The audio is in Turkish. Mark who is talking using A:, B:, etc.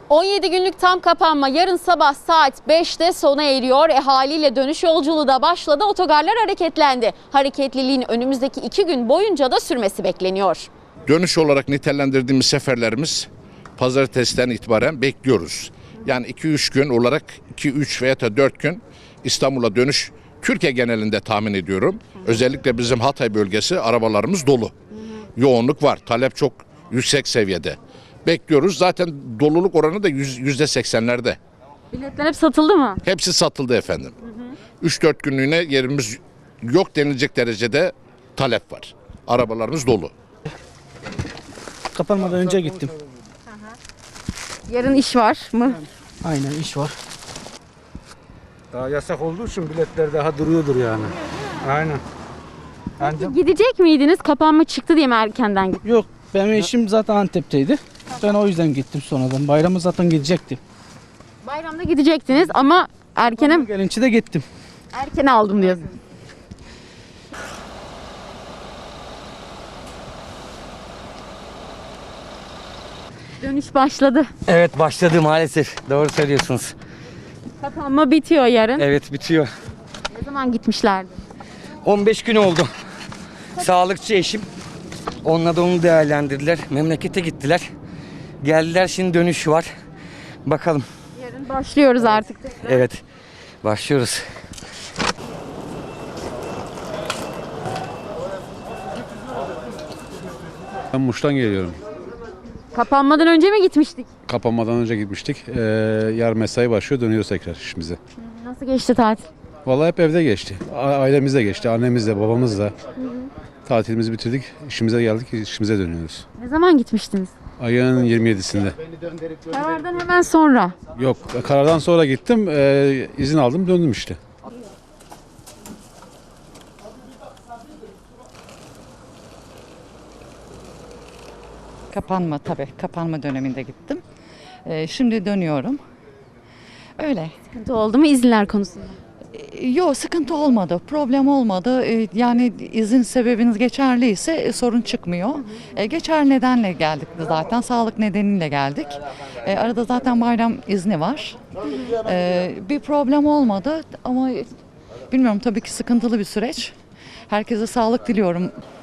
A: 17 günlük tam kapanma yarın sabah saat 5'te sona eriyor. Haliyle dönüş yolculuğu da başladı. Otogarlar hareketlendi. Hareketliliğin önümüzdeki 2 gün boyunca da sürmesi bekleniyor.
B: Dönüş olarak nitelendirdiğimiz seferlerimiz pazartesiden itibaren bekliyoruz. Yani 2-3 gün olarak 2-3 veya da 4 gün İstanbul'a dönüş Türkiye genelinde tahmin ediyorum. Özellikle bizim Hatay bölgesi arabalarımız dolu. Yoğunluk var. Talep çok yüksek seviyede. Bekliyoruz. Zaten doluluk oranı da %80'lerde.
A: Biletler hep satıldı mı?
B: Hepsi satıldı efendim. 3-4 günlüğüne yerimiz yok denilecek derecede talep var. Arabalarımız dolu.
C: Kapanmadan önce gittim.
A: Yarın iş var mı?
C: Aynen iş var.
D: Daha yasak olduğu için biletler daha duruyordur yani. Aynen. Ancak
A: Gidecek miydiniz? Kapanma çıktı diye mi erkenden gittiniz?
C: Yok, benim eşim zaten Antep'teydi. Ben o yüzden gittim sonradan. Bayramı zaten gidecektim.
A: Bayramda gidecektiniz ama
C: Gelince de gittim.
A: erkene aldım diyorsunuz. Dönüş başladı.
E: Evet başladı maalesef. Doğru söylüyorsunuz.
A: Kapanma bitiyor yarın.
E: Evet bitiyor.
A: Ne zaman gitmişlerdi?
E: 15 gün oldu. Sağlıkçı eşim. Onunla da onu değerlendirdiler. Memlekete gittiler. Geldiler şimdi dönüş var. Bakalım.
A: Yarın başlıyoruz artık.
E: Evet. Başlıyoruz.
F: Ben Muş'tan geliyorum.
A: Kapanmadan önce mi gitmiştik?
F: Kapanmadan önce gitmiştik. Yarın mesai başlıyor, dönüyoruz tekrar işimize.
A: Nasıl geçti tatil?
F: Vallahi hep evde geçti. Ailemizle geçti, annemizle, babamızla. Tatilimizi bitirdik, işimize geldik, işimize dönüyoruz.
A: Ne zaman gitmiştiniz?
F: Ayın 27'sinde.
A: Karardan hemen sonra.
F: Yok, karardan sonra gittim, izin aldım, döndüm işte.
G: Kapanma tabii. Kapanma döneminde gittim. Şimdi dönüyorum. Öyle.
A: Sıkıntı oldu mu izinler konusunda?
G: Yok sıkıntı olmadı. Problem olmadı. Yani izin sebebiniz geçerliyse sorun çıkmıyor. Geçerli nedenle geldik zaten. Sağlık nedeniyle geldik. Arada zaten bayram izni var. Bir problem olmadı ama bilmiyorum tabii ki sıkıntılı bir süreç. Herkese sağlık diliyorum.